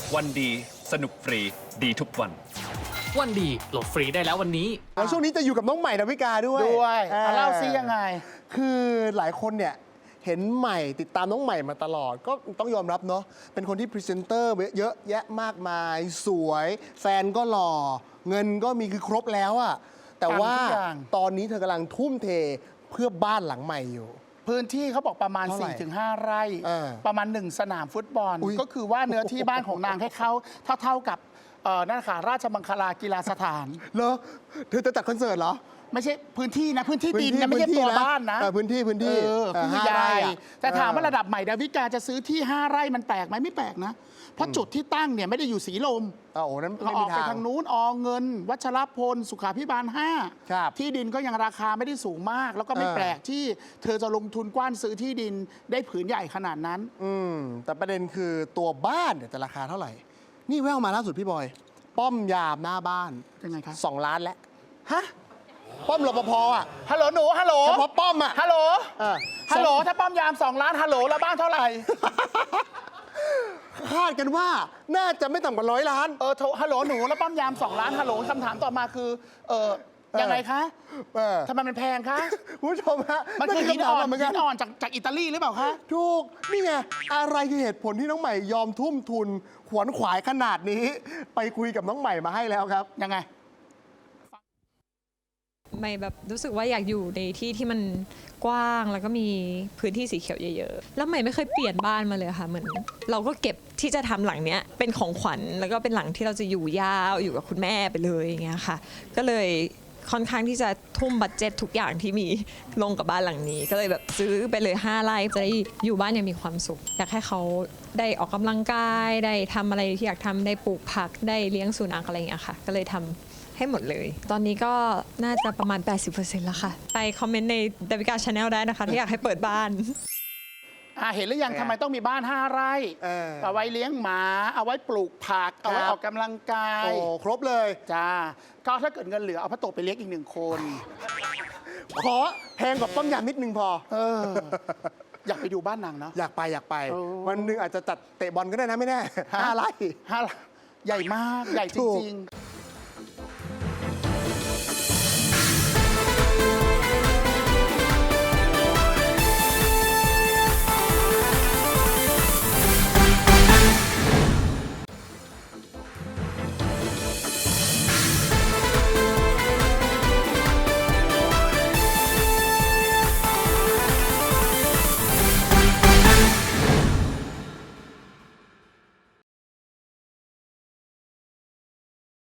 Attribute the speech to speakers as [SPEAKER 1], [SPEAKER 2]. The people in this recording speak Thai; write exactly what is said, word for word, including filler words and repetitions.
[SPEAKER 1] วันดีสนุกฟรีดีทุกวัน
[SPEAKER 2] วันดีโหลดฟรีได้แล้ววันนี้
[SPEAKER 3] แล้วช่วงนี้จะอยู่กับน้องใหม่ดาวิกาด้วย
[SPEAKER 4] ด้วยเล่าซิยังไง
[SPEAKER 3] คือหลายคนเนี่ยเห็นใหม่ติดตามน้องใหม่มาตลอดก็ต้องยอมรับเนาะเป็นคนที่พรีเซนเตอร์เยอะแยะมากมายสวยแฟนก็หล่อเงินก็มีคือครบแล้วอะแต่ว่าตอนนี้เธอกำลังทุ่มเทเพื่อบ้านหลังใหม่อยู่
[SPEAKER 4] พื้นที่เขาบอกประมาณ สี่ถึงห้า ไร่ประมาณหนึ่งสนามฟุตบอลก็คือว่าเนื้อที่บ้านของนางให้เขาเท่าเท่ากับนั่นค่ะราชมังคลากีฬาสถาน
[SPEAKER 3] เหรอเธอจะจัดคอนเสิร์ตเหรอ
[SPEAKER 4] ไม่ใช่พื้นที่นะพื้นที่ดินนะไม่ใช่ตัวบ้านนะ
[SPEAKER 3] พื้นที่พื้นที่
[SPEAKER 4] คือใหญ่แต่ถามว่าระดับใหม่ดาวิกาจะซื้อที่ห้าไร่มันแปลกไหมไม่แปลกนะเพราะจุดที่ตั้งเนี่ยไม่ได้อยู่สีลม
[SPEAKER 3] อ๋อนั้น
[SPEAKER 4] เราออกไปทางนู้นอเงินวัชรพลสุขาภิบาลห้าที่ดินก็ยังราคาไม่ได้สูงมากแล้วก็ไม่แปลกที่เธอจะลงทุนกว้านซื้อที่ดินได้ผืนใหญ่ขนาดนั้น
[SPEAKER 3] อืมแต่ประเด็นคือตัวบ้านเนี่ยจะราคาเท่าไหร่นี่แววมาล่าสุดพี่บอยป้อมยามหน้าบ้าน
[SPEAKER 4] ยังไงคะ
[SPEAKER 3] สองล้านแล้วฮะป้อมรปภอ่ะ
[SPEAKER 4] ฮัลโหลหนูฮัลโหล
[SPEAKER 3] เฉพาะป้อมอ่ะ
[SPEAKER 4] ฮัลโหลฮัลโหลถ้าป้อมยามสองล้านฮัลโหลแล้วบ้านเท่าไหร่
[SPEAKER 3] คาดกันว่าน่าจะไม่ต่ำกว่าร้อยล้าน
[SPEAKER 4] เออโทรฮัลโหลหนูแล้วป้อมยามสองล้านฮัลโหลคำถามต่อมาคือเออยังไงคะทำไมมันแพงคะ
[SPEAKER 3] คุณผู้ชมฮะ
[SPEAKER 4] มันคือหินอ่อนหินอ่อนจากจากอิตาลีหรือเปล่าคะ
[SPEAKER 3] ถูกนี่ไงอะไรคือเหตุผลที่น้องใหม่ยอมทุ่มทุนขวนขวายขนาดนี้ไปคุยกับน้องใหม่มาให้แล้วครับ
[SPEAKER 4] ยังไง
[SPEAKER 5] ใหม่แบบรู้สึกว่าอยากอยู่ในที่ที่มันกว้างแล้วก็มีพื้นที่สีเขียวเยอะๆแล้วใหม่ไม่เคยเปลี่ยนบ้านมาเลยค่ะเหมือนเราก็เก็บที่จะทำหลังเนี้ยเป็นของขวัญแล้วก็เป็นหลังที่เราจะอยู่ยาวอยู่กับคุณแม่ไปเลยอย่างเงี้ยค่ะก็เลยค่อนข้างที่จะทุ่มบัดเจ็ตทุกอย่างที่มีลงกับบ้านหลังนี้ก็เลยแบบซื้อไปเลยห้าไร่จะได้อยู่บ้านยังมีความสุขอยากให้เขาได้ออกกำลังกายได้ทำอะไรที่อยากทำได้ปลูกผักได้เลี้ยงสุนัขอะไรอย่างเงี้ยค่ะก็เลยทำให้หมดเลยตอนนี้ก็น่าจะประมาณ แปดสิบเปอร์เซ็นต์ แล้วค่ะไปคอมเมนต์ในดาวิกาชาแนลได้นะคะที่อยากให้เปิดบ้าน
[SPEAKER 4] อ่าเห็นหรือยังทำไมต้องมีบ้านห้าไร่เอาไว้เลี้ยงหมาเอาไว้ปลูกผักเอาไว้ออกกำลังกาย
[SPEAKER 3] โอ้ครบเลย
[SPEAKER 4] จ้าก็ถ้าเกิดเงินเหลือเอาพระโตไปเลี้ยงอีกหนึ่งคน
[SPEAKER 3] ขอแพงกว่าป้อมยามนิดนึงพอ
[SPEAKER 4] เอออยากไปดูบ้านนางเนาะ
[SPEAKER 3] อยากไปอยากไปวันนึงอาจจะจัดเตะบอลก็ได้นะไม่แน่ห้าไร่
[SPEAKER 4] ห้าไร่ใหญ่มากใหญ่จริงๆ